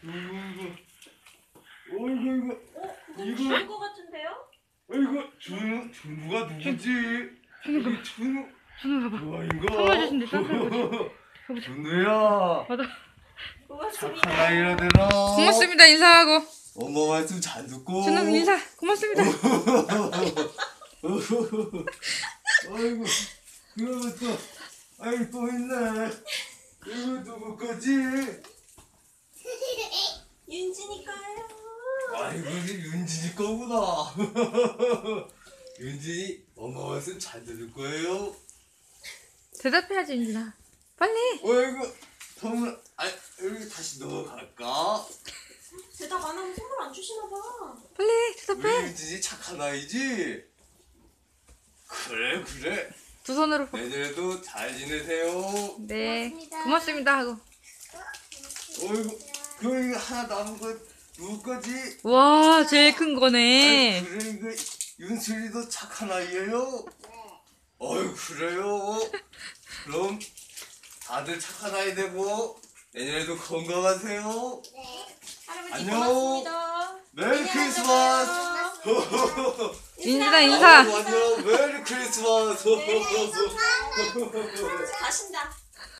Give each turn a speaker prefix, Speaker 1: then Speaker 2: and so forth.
Speaker 1: 어이구
Speaker 2: 그거 죽은 거 같은데요?
Speaker 1: 어이구 준우가 누구지? 우리 준우 뭐인가?
Speaker 3: 선물 주신대, 선물
Speaker 1: 준우야
Speaker 3: 맞아.
Speaker 2: 고맙습니다.
Speaker 1: 착한 아이라 되라.
Speaker 3: 고맙습니다. 인사하고.
Speaker 1: 엄마 말씀 잘 듣고.
Speaker 3: 준우 인사. 고맙습니다.
Speaker 1: 아이고 그러면 또 아이고 또 있네. 이거 누구 거지?
Speaker 2: 윤지니까요.
Speaker 1: 아이고 윤진이 거구나. 윤진이 엄마 말씀 잘 들을 거예요.
Speaker 3: 대답해야지 윤진아. 빨리.
Speaker 1: 어이구 선물 여기 다시 넣어갈까?
Speaker 2: 대답 안 하면 선물 안 주시나 봐.
Speaker 3: 빨리
Speaker 1: 우리
Speaker 3: 대답해.
Speaker 1: 윤진이 착한 아이지? 그래
Speaker 3: 두 손으로.
Speaker 1: 내년에도 잘 지내세요.
Speaker 3: 네.
Speaker 2: 고맙습니다.
Speaker 3: 고맙습니다 하고.
Speaker 1: 어이구 그거 하나 남은 거 누구 거지?
Speaker 3: 와 제일 큰 거네.
Speaker 1: 그래 이거 윤슬이도 착한 아이예요? 어이 그래요? 그럼 다들 착한 아이 되고 내년에도 건강하세요.
Speaker 2: 네. 할아버지
Speaker 1: 안녕.
Speaker 2: 고맙습니다.
Speaker 1: 메리 크리스마스.
Speaker 3: 윤진아 인사.
Speaker 1: 안녕 메리 크리스마스.
Speaker 2: 할아버지 가신다.